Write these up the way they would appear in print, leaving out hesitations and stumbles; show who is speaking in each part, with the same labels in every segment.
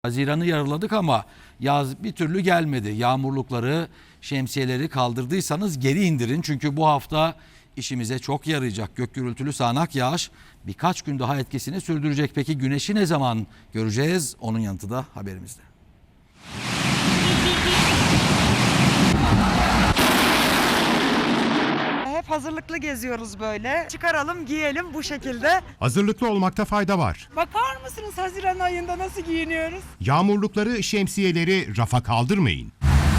Speaker 1: Haziran'ı yarıladık ama yaz bir türlü gelmedi. Yağmurlukları, şemsiyeleri kaldırdıysanız geri indirin. Çünkü bu hafta işimize çok yarayacak. Gök gürültülü sağanak yağış birkaç gün daha etkisini sürdürecek. Peki güneşi ne zaman göreceğiz? Onun yanıtı da haberimizde.
Speaker 2: Hep hazırlıklı geziyoruz böyle. Çıkaralım, giyelim bu şekilde.
Speaker 3: Hazırlıklı olmakta fayda var.
Speaker 2: Bakar mısınız Haziran ayında nasıl giyiniyoruz?
Speaker 3: Yağmurlukları, şemsiyeleri rafa kaldırmayın.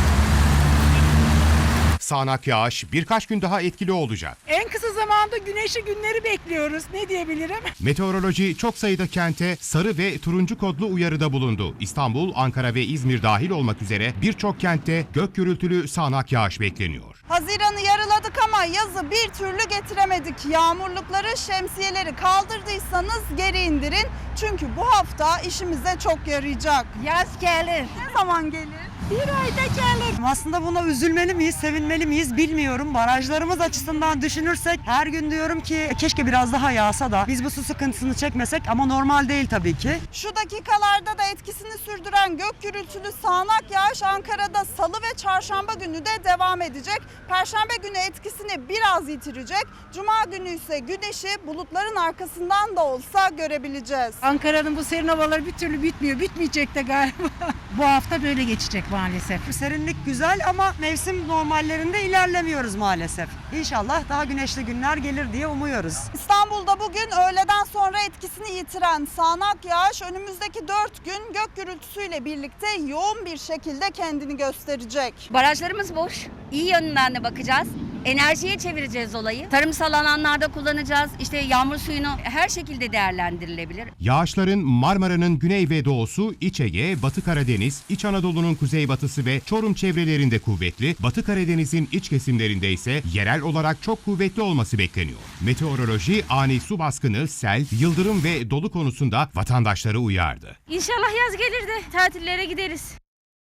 Speaker 3: Sağanak yağış birkaç gün daha etkili olacak.
Speaker 2: En kısa zamanda güneşli günleri bekliyoruz. Ne diyebilirim?
Speaker 3: Meteoroloji çok sayıda kente sarı ve turuncu kodlu uyarıda bulundu. İstanbul, Ankara ve İzmir dahil olmak üzere birçok kentte gök gürültülü sağanak yağış bekleniyor.
Speaker 4: Haziran'ı yarıladık ama yazı bir türlü getiremedik. Yağmurlukları, şemsiyeleri kaldırdıysanız geri indirin. Çünkü bu hafta işimize çok yarayacak.
Speaker 2: Yaz gelir.
Speaker 4: Ne zaman gelir?
Speaker 2: Bir ayda gelir. Aslında buna üzülmeli miyiz, sevinmeli miyiz bilmiyorum. Barajlarımız açısından düşünürsek her gün diyorum ki keşke biraz daha yağsa da biz bu su sıkıntısını çekmesek ama normal değil tabii ki.
Speaker 4: Şu dakikalarda da etkisini sürdüren gök gürültülü sağanak yağış Ankara'da salı ve çarşamba günü de devam edecek. Perşembe günü etkisini biraz yitirecek. Cuma günü ise güneşi bulutların arkasından da olsa görebileceğiz.
Speaker 5: Ankara'nın bu serin havaları bir türlü bitmiyor. Bitmeyecek de galiba. Bu hafta böyle geçecek maalesef.
Speaker 2: Serinlik güzel ama mevsim normallerinde ilerlemiyoruz maalesef. İnşallah daha güneşli günler gelir diye umuyoruz.
Speaker 4: İstanbul'da bugün öğleden sonra etkisini yitiren sağanak yağış önümüzdeki 4 gün gök gürültüsüyle birlikte yoğun bir şekilde kendini gösterecek.
Speaker 6: Barajlarımız boş. İyi yönünden de bakacağız. Enerjiye çevireceğiz olayı. Tarımsal alanlarda kullanacağız. İşte yağmur suyunu her şekilde değerlendirilebilir.
Speaker 3: Yağışların Marmara'nın güney ve doğusu, İç Ege, Batı Karadeniz, İç Anadolu'nun kuzeybatısı ve Çorum çevrelerinde kuvvetli, Batı Karadeniz'in iç kesimlerinde ise yerel olarak çok kuvvetli olması bekleniyor. Meteoroloji ani su baskını, sel, yıldırım ve dolu konusunda vatandaşları uyardı.
Speaker 6: İnşallah yaz gelir de tatillere gideriz.